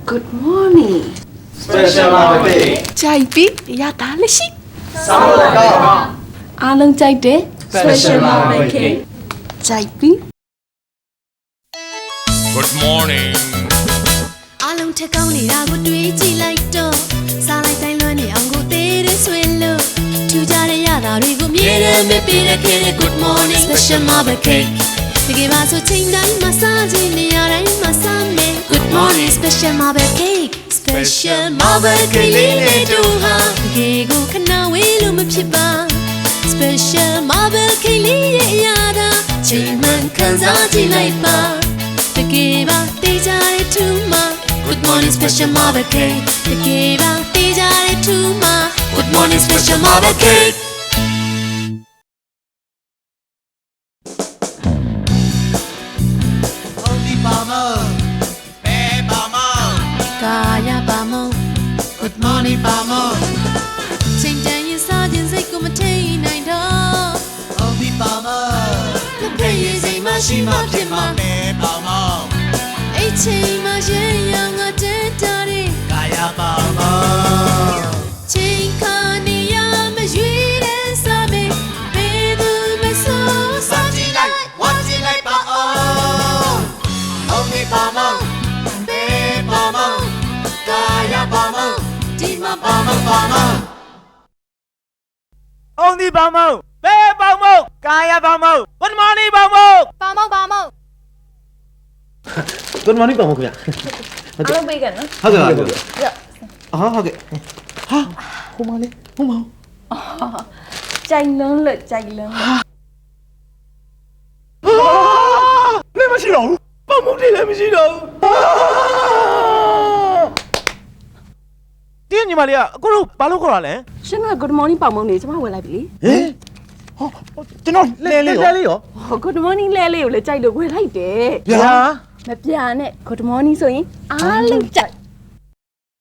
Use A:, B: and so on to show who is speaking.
A: Good morning.
B: Special Market.
A: ကြိုက်ပြီရတာလက်ရှိ
B: Sawadaka.
A: အားလုံးကြိုက်တယ်
B: Special Market.
A: ကြိုက်ပြီ
C: Good morning
D: အားလုံးထက်ကောင်းနေတာကိုတွေးကြည့်လိုက်တော့စားလိုက်တိုင်းလွမ်းနေအောင်ကိုသေးတဲ့ဆွေလို့ထူကြတဲ့ရတာတွေကိုမြဲတမ်းမပေးတဲ့ခဲတဲ့ Good morning special marble cake တကယ်ပါဆိုချိန်တိုင်းမစားခြင်းနေရာတိုင်းမစားမယ် Good morning special marble cake special marble cake လေးနဲ့တို့ဟာတကယ်ကိုခဏဝေးလို့မဖြစ်ပါ special marble cake လေးရဲ့အရာသာချိန်မှန်ခံစားကြည့်လိုက်ပါတကယ်ပါတေးကြတဲ့ထူမှာ Good morning special marble cake တကယ်ပါတေးကြတဲ့ထူမှာ Good morning special marble cake
B: Only Palmer. Hey Palmer.
D: ကာယပါမုံ
B: Good morning Palmer.
D: ချိန်တန်ရင်စားခြင်းစိတ်ကိုမထိန်နိုင်တော့
B: Only Palmer.
D: လက်ဖက်ရည်စိမ်မရှိမှဖြစ်မှာ
B: Hey Palmer.
D: အဲ့ချိန်မှရင်ရောင်ငါတက်တာတဲ့
B: Kaya Palmer.
D: ချိန်ခါနေရမရွေးတဲ့စားမေးဘယ်သူမဆိုစားကြည့်လိုက်
B: What's it like Palmer? Only Palmer. Hey Palmer. Kaya Palmer.
D: ဒီမှာ
B: Palmer Palmer.
E: Only Bamo, Bear Bamo, Kaya Bamo, Good morning Bamo.
D: ပါမောက်ပါမောက်
F: Good morning ပါမခင်ဗျာ
A: အားလုံးပေးကန်နော်
F: ဟုတ်ကဲ့ပါဟုတ်ကဲ့
A: ရ
F: ဟာဟုတ်ကဲ့ဟာဟိုမလေးဟိုမ
A: ကြိုက်လုံးလို့ကြိုက်လုံးလို့
F: နေမရှိတော့ဘူးပါမုတ်တွေလည်းမရှိတော့ဘူး
E: တင်းညီမလေးကအခုတို့ဘာလို့ခေါ်တာလဲ
A: ရှင်က Good morning ပေါင်မုံနေကျမဝယ်လိုက်ပြီ
F: ဟင်ဟောကျွန်တော်လဲလေးရော
A: ဟော Good morning လဲလေးကိုလည်းကြိုက်လို့ဝယ်လိုက်တယ်
F: ဗျာ
A: မပြနဲ့ Good morning ဆိုရင်အားလုံးကြိုက်